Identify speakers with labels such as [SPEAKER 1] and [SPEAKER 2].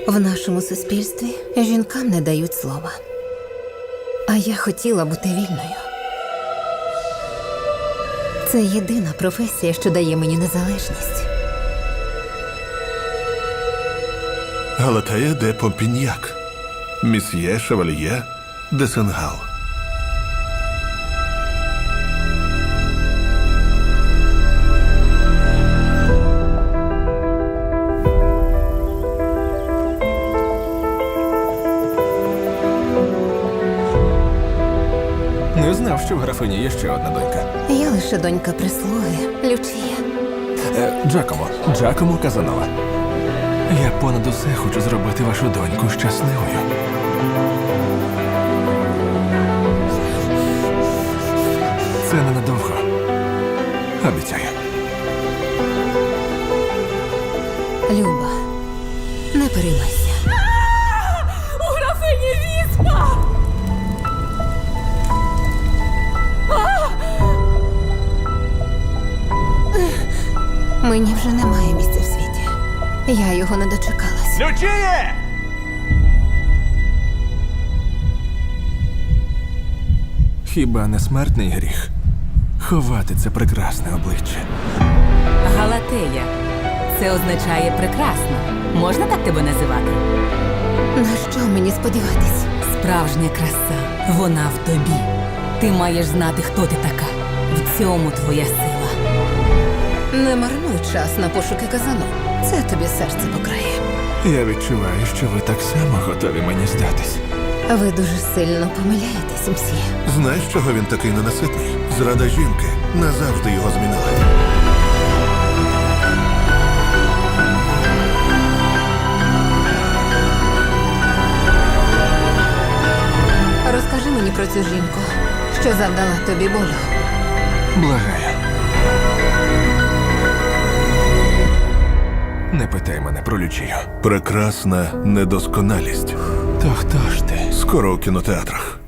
[SPEAKER 1] В нашому суспільстві жінкам не дають слова. А я хотіла бути вільною. Це єдина професія, що дає мені незалежність.
[SPEAKER 2] Галатея де Помпіньяк. Місьє Шевальє де Сенгал.
[SPEAKER 3] Не знав, що в графині є ще одна донька.
[SPEAKER 1] Я лише донька прислуги, Лючія.
[SPEAKER 3] Джакомо Казанова. Я понад усе хочу зробити вашу доньку щасливою. Це ненадовго. Обіцяю.
[SPEAKER 1] Люба, не переймайся.
[SPEAKER 4] У графині віспа!
[SPEAKER 1] Мені вже немає місця в світі. Я його не дочекалась.
[SPEAKER 3] Лючіє! Хіба не смертний гріх ховати це прекрасне обличчя?
[SPEAKER 4] Галатея. Це означає прекрасно. Можна так тебе називати?
[SPEAKER 1] На що мені сподіватись?
[SPEAKER 4] Справжня краса. Вона в тобі. Ти маєш знати, хто ти така. В цьому твоя сила.
[SPEAKER 1] Не марнуй час на пошуки казану. Це тобі серце покрає.
[SPEAKER 3] Я відчуваю, що ви так само готові мені здатись.
[SPEAKER 1] Ви дуже сильно помиляєтесь, мсьє.
[SPEAKER 2] Знаєш, чого він такий ненаситний? Зрада жінки назавжди його змінила.
[SPEAKER 1] Розкажи мені про цю жінку, що завдала тобі болю.
[SPEAKER 3] Благаю. Не питай мене про Лючію.
[SPEAKER 2] Прекрасна недосконалість.
[SPEAKER 3] То хто ж ти?
[SPEAKER 2] Скоро у кінотеатрах.